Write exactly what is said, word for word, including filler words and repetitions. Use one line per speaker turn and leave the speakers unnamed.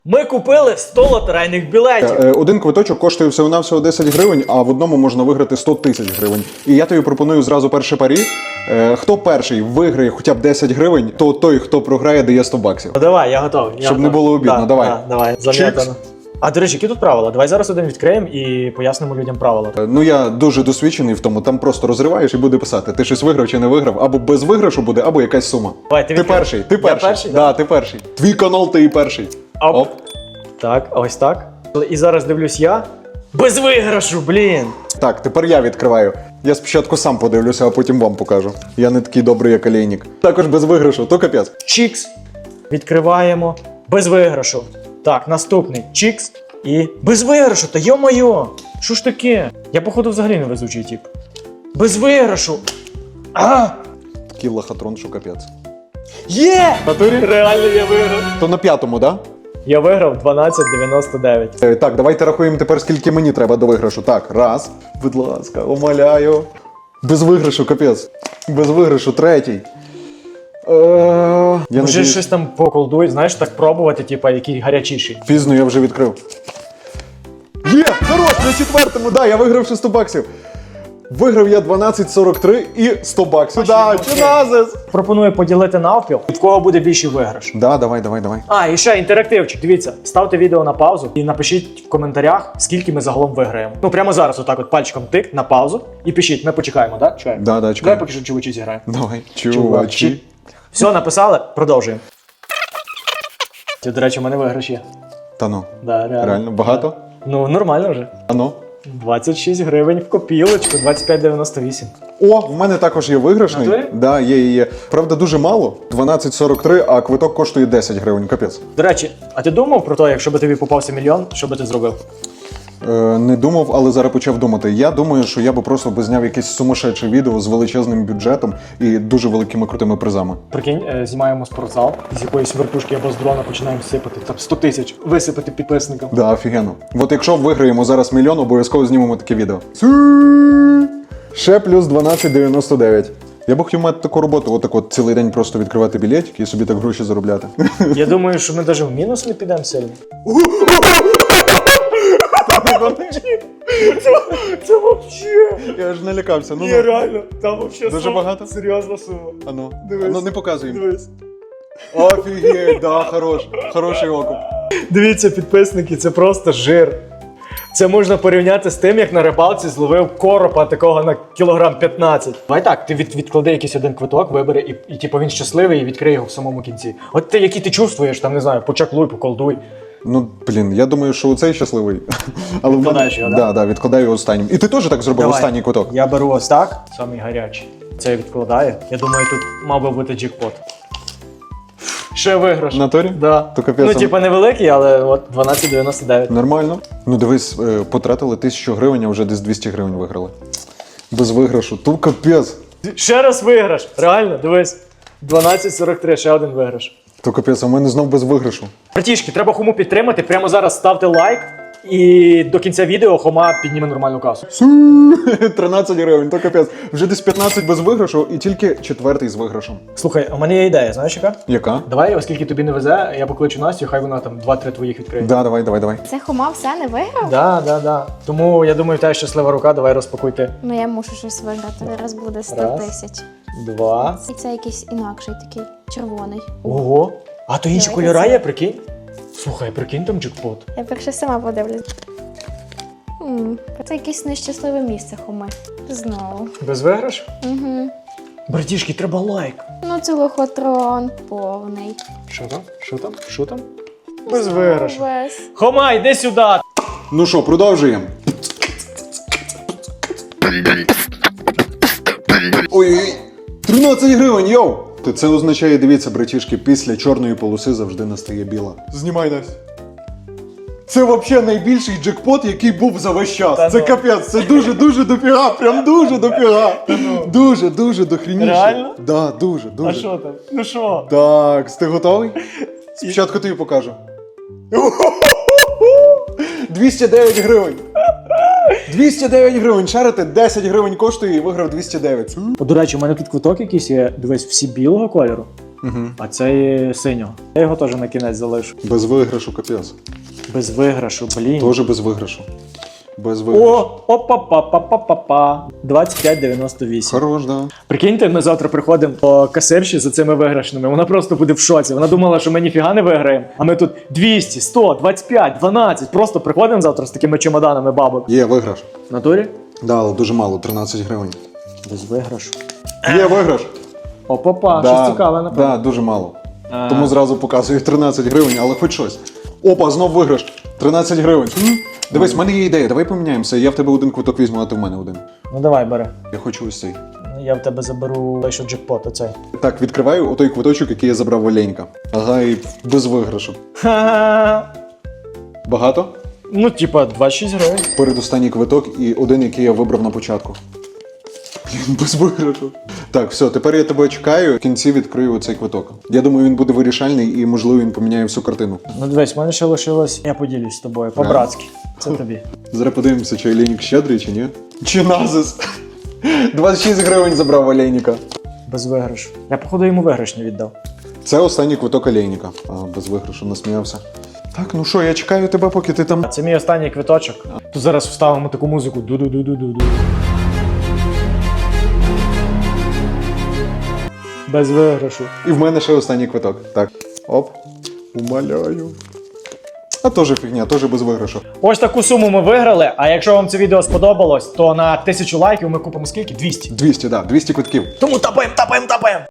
Ми купили сто лотерейних білетів.
Е, Один квиточок коштує всього-навсього десять гривень, а в одному можна виграти сто тисяч гривень. І я тобі пропоную зразу перше парі. Е, Хто перший виграє хоча б десять гривень, то той, хто програє, дає сто баксів.
Ну давай, я готовий. Я
Щоб
готовий.
не було обідно,
Да,
давай.
Да, давай,
Чікс.
зам'ятано. А, до речі, які тут правила? Давай зараз один відкриємо і пояснимо людям правила.
Е, Ну я дуже досвідчений в тому, там просто розриваєш і буде писати, ти щось виграв чи не виграв, або без виграшу буде, або якась сума.
Давай, ти
Ти
відкривай.
перший, ти
Я
перший.
перший,
Да, ти перший. Твій канал, ти і перший.
Оп.
Оп.
Так, ось так. І зараз дивлюсь я. Без виграшу, блін!
Так, тепер я відкриваю. Я спочатку сам подивлюся, а потім вам покажу. Я не такий добрий, як олійник. Також без виграшу, то капець.
Чікс. Відкриваємо. Без виграшу. Так, наступний. Чікс. І без виграшу, та йо-моє! Що ж таке? Я, походу, взагалі не везучий тип. Без виграшу. А!
Такий лохотрон, що капець.
Є!
Натурі?
Реально я виграв.
То на п'ятому, да?
Я виграв дванадцять дев'яносто дев'ять.
Е, Так, давайте рахуємо тепер, скільки мені треба до виграшу. Так, раз. Будь ласка, умоляю. Без виграшу, капець. Без виграшу, третій. Е, я
Може
надіюсь-
щось там поколдуй, знаєш, так пробувати, типа, який гарячіший.
Пізно я вже відкрив. Є! Хорош! На четвертому, да, я виграв ще сто баксів. Виграв я дванадцять сорок три і сто баксів. Да, чиназис!
Пропоную поділити навпіл, від кого буде більший виграш.
Да, давай, давай, давай.
А, і ще інтерактивчик. Дивіться, ставте відео на паузу і напишіть в коментарях, скільки ми загалом виграємо. Ну прямо зараз, отак, от пальчиком тик на паузу і пишіть. Ми почекаємо, так? Да? Чекаємо.
Да, да,
Давай
чекай.
поки що чувачі зіграємо.
Давай, чувачі.
Все, написали, продовжуємо. Це, до речі, у мене виграш є.
Та ну,
Да, реально.
реально, багато?
Ну, нормально вже.
А ну.
двадцять шість гривень в копілочку, двадцять п'ять дев'яносто вісім.
О, в мене також є виграшний.
Натурі?
Да, є, є, є. Правда, дуже мало. дванадцять сорок три, а квиток коштує десять гривень, капець.
До речі, а ти думав про те, якщо б тобі попався мільйон, що би ти зробив?
Е, не думав, але зараз почав думати. Я думаю, що я би просто би зняв якесь сумасшедше відео з величезним бюджетом і дуже великими крутими призами.
Прикинь, е, знімаємо спортзал, з якоїсь вертушки або з дрона починаємо сипати, там сто тисяч, висипати підписникам.
Да, офігенно. От якщо виграємо зараз мільйон, обов'язково знімемо таке відео. Ще плюс дванадцять дев'яносто дев'ять. Я б хотів мати таку роботу, отак от цілий день просто відкривати білетики і собі так гроші заробляти.
Я думаю, що ми навіть в мінус не підемо сильно. Це взагалі.
Я ж налякався. Ну,
Ні, реально, там взагалі
Дуже багато?
серйозна сума.
А ну,
Дивись.
а ну не показуємо.
Дивись.
Офігеть, да, хорош. Хороший окуп.
Дивіться, підписники, це просто жир. Це можна порівняти з тим, як на рибалці зловив коропа такого на кілограм п'ятнадцять. Давай так, ти від, відклади якийсь один квиток, вибери, і, і типу він щасливий і відкриє його в самому кінці. От ти, які ти чувствуєш, там, не знаю, почаклуй, поколдуй.
Ну, блін, я думаю, що оцей щасливий. Але в мене-
Відкладаєш його, да?
Да, да, відкладаю його останнім. І ти теж так зробив
Давай.
останній квиток?
Я беру ось так, самий гарячий. Це відкладаю. Я думаю, тут мав би бути джекпот. Ще виграш.
В натурі?
Да.
То капець.
Ну, типа невеликий, але от дванадцять дев'яносто дев'ять.
Нормально. Ну дивись, е, потратили тисячу гривень, а вже десь двісті гривень виграли. Без виграшу. То капець.
Ще раз виграш. Реально, дивись. дванадцять сорок три, ще один виграш.
То капець, а в мене знов без виграшу.
Братішки, треба Хому підтримати. Прямо зараз ставте лайк. І до кінця відео Хома підніме нормальну касу.
Су, тринадцять гривень, то капець. Вже десь п'ятнадцять без виграшу і тільки четвертий з виграшем.
Слухай, у мене є ідея, знаєш яка?
Яка?
Давай, оскільки тобі не везе, я покличу Настю, хай вона там два-три твоїх відкриє.
Да, давай, давай, давай.
Це Хома все не виграв?
Да, да, да. Тому я думаю, в тебе щаслива рука, давай розпакуй ти.
Ну я мушу щось виграти. Зараз буде сто
Раз.
тисяч.
Два.
І це якийсь інакший такий червоний.
Ого. А то інші
Давай,
кольори
це.
є, прикинь? Слухай, прикинь там джекпот.
Я перше сама подивлюсь. М, Це якесь нещасливе місце Хоми. Знову.
Без виграш?
Угу.
Братішки, треба лайк.
Ну це лохотрон повний.
Що там? Що там? Що там? Без виграшу.
Весь.
Хома, йди сюди!
Ну що, продовжуємо. Ой-ой-ой. тринадцять гривень, йоу! То це означає, дивіться, братішки, після чорної полоси завжди настає біла. Знімай нас. Це взагалі найбільший джекпот, який був за весь час.
Та
Це
ну.
капець, це дуже-дуже дофіга, прям дуже дофіга. Дуже, дуже дохрініше.
Реально?
Да, дуже, дуже.
А що там? Ну що?
Так, ти готовий? Спочатку тобі покажу. двісті дев'ять гривень. двісті дев'ять гривень. Шарите, десять гривень коштує і виграв двісті дев'ять.
О, до речі, у мене тут квиток якийсь є, дивись, всі білого кольору.
Угу.
а цей синього. Я його теж на кінець залишу.
Без виграшу капець.
Без виграшу, блін.
Тоже без виграшу. Без виграшу.
О, опа-па-па-па-па-па. двадцять п'ять дев'яносто вісім.
Хорош, да.
Прикиньте, ми завтра приходимо до касирші за цими виграшними. Вона просто буде в шоці. Вона думала, що ми ніфіга не виграємо. А ми тут двісті, сто, двадцять п'ять, дванадцять. Просто приходимо завтра з такими чемоданами бабок.
Є виграш.
В натурі?
Да, але дуже мало, тринадцять гривень.
Без виграшу.
Є виграш.
Опа-па,
Да,
щось цікаве, напевно.
да, дуже мало.
А.
Тому зразу показую тринадцять гривень, але хоч щось. Опа, знов виграш. тринадцять гривень. М? Дивись, в мене є ідея, давай поміняємося. Я в тебе один квиток візьму, а ти в мене один.
Ну давай, бери.
Я хочу ось цей.
Я в тебе заберу той, що джекпот, оцей.
Так, відкриваю отой квиточок, який я забрав в Оленька. Ага, і без виграшу.
Ха-ха.
Багато?
Ну, типа, двадцять шість гривень.
Передостанній квиток і один, який я вибрав на початку. Блін, без виграшу. Так, все, тепер я тебе чекаю, в кінці відкрию цей квиток. Я думаю, він буде вирішальний і, можливо, він поміняє всю картину.
Ну дивись, в мене ще лишилось. Я поділюсь з тобою, по-братськи. Це тобі.
Зараз подивимося, чи Олейник щедрий, чи ні. Чи назис? двадцять шість гривень забрав Олейника.
Без виграшу. Я, походу, йому виграш не віддав.
Це останній квиток Олейника. А, без виграшу насміявся. Так, ну що, я чекаю тебе, поки ти там.
Це мій останній квиточок. Тут зараз вставимо таку музику. Ду-ду-ду-ду-ду. Без виграшу.
І в мене ще останній квиток. Так. Оп. Умоляю. А теж фігня, теж без виграшу.
Ось таку суму ми виграли. А якщо вам це відео сподобалось, то на тисячу лайків ми купимо скільки? двісті.
двісті, да, двісті квитків.
Тому тапаємо, тапаємо, тапаємо!